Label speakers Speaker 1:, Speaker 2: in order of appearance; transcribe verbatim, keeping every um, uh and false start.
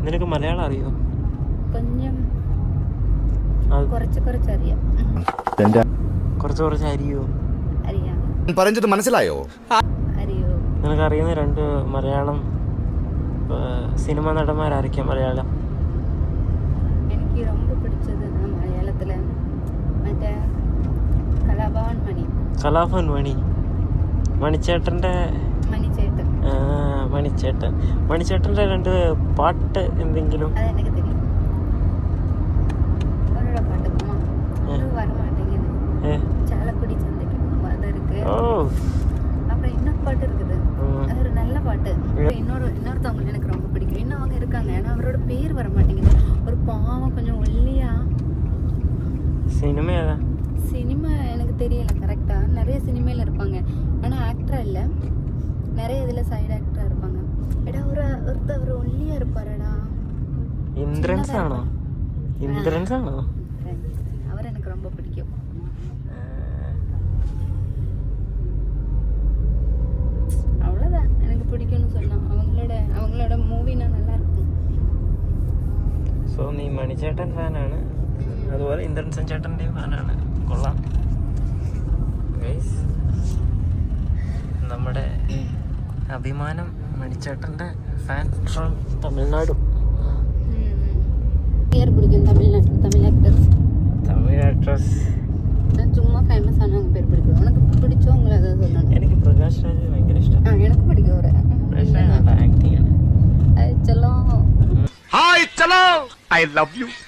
Speaker 1: നിനക്ക് മലയാളം അറിയോ?
Speaker 2: കൊഞ്ചം കുറച്ച് കുറച്ച് അറിയാം.
Speaker 1: കുറച്ച് കുറച്ച് അറിയോ?
Speaker 2: അറിയാം.
Speaker 3: പറഞ്ഞത് മനസ്സിലായോ?
Speaker 2: അറിയോ?
Speaker 1: നിനക്ക് അറിയുന്ന രണ്ട് മലയാളം സിനിമ നടന്മാരായിരിക്കാം മലയാളം?
Speaker 2: എനിക്ക് ரொம்ப പിടിച്ചത് മലയാളത്തില് മറ്റേ കലാഭവൻ മണി.
Speaker 1: കലാഭവൻ മണി, മണിച്ചേട്ടൻ്റെ
Speaker 2: മണിച്ചേട്ടൻ.
Speaker 1: മണിച്ചേട്ടൻ മണിച്ചേട്ടൻ്റെ രണ്ട് പാട്ട് എന്തെങ്കിലും?
Speaker 2: അതെനിക്ക് தெரியும். അവരുടെ പാട്ട് அது வர மாட்டேங்குது. சாலக்குடி சந்தைக்கு போகும் அது இருக்கு. அப்புறம் இன்னொரு பாட்டு இருக்குது, அது ஒரு நல்ல பாட்டு. இன்னொரு இன்னொருத்தவங்க எனக்கு ரொம்ப பிடிக்கும். இன்னும் அவங்க இருக்காங்க, ஏன்னா அவரோட பேர் வர மாட்டேங்குது. ஒரு பாவம் கொஞ்சம் ஒல்லியா.
Speaker 1: சினிமா ஏதா?
Speaker 2: சினிமா எனக்கு தெரியல கரெக்டா. நிறைய சினிமையில இருப்பாங்க, ஆனா ஆக்டரா இல்ல. நிறைய இதுல சைடு ஆக்டரா இருப்பாங்க. எடா ஒரு ஒருத்தர் ஒல்லியா இருப்பாருடா.
Speaker 1: ഇന്ദ്രൻസ് ആണോ? ഇന്ദ്രൻസ് ആണോ?
Speaker 2: அவர் எனக்கு ரொம்ப பிடிக்கும். அவ்வளவுதான் எனக்கு பிடிக்கும்னு சொன்னா. அவங்களோட அவங்களோட மூவினா நல்லா இருக்கும்.
Speaker 1: സോ നീ മണിച്ചേട്ടൻ ഫാനാണ്, അതുപോലെ ഇന്ദ്രൻസൻ ചേട്ടൻ്റെയും ഫാനാണ്. കൊള്ളാം. ഗൈസ്, നമ്മുടെ അഭിമാനം മണിച്ചേട്ടൻ്റെ ഫാൻ ഫ്രം തമിഴ്നാട്.
Speaker 2: யார் பிடிக்கும் தமிழ்நாட்டு தமிழ் ஆக்டர்ஸ்?
Speaker 1: തമിഴ് ആക്ട്രസ്
Speaker 2: நான் சும்மா ஃபேமஸ் ஆனவங்க பேர் பிடிக்கும். உனக்கு பிடிச்சவங்கள அதான் சொல்லணும்.
Speaker 1: എനിക്ക് പ്രകാശ് രാജ് ഭയങ്കര ഇഷ്ടം.
Speaker 2: ആ எனக்கு பிடிக்கும் அவரை.
Speaker 1: പ്രകാശ് രാജ് നല്ല ആക്ടിങ് ആണ്.
Speaker 2: அது செல்லம்.
Speaker 3: ഹായ് ചലോ, ഐ ലവ് യു.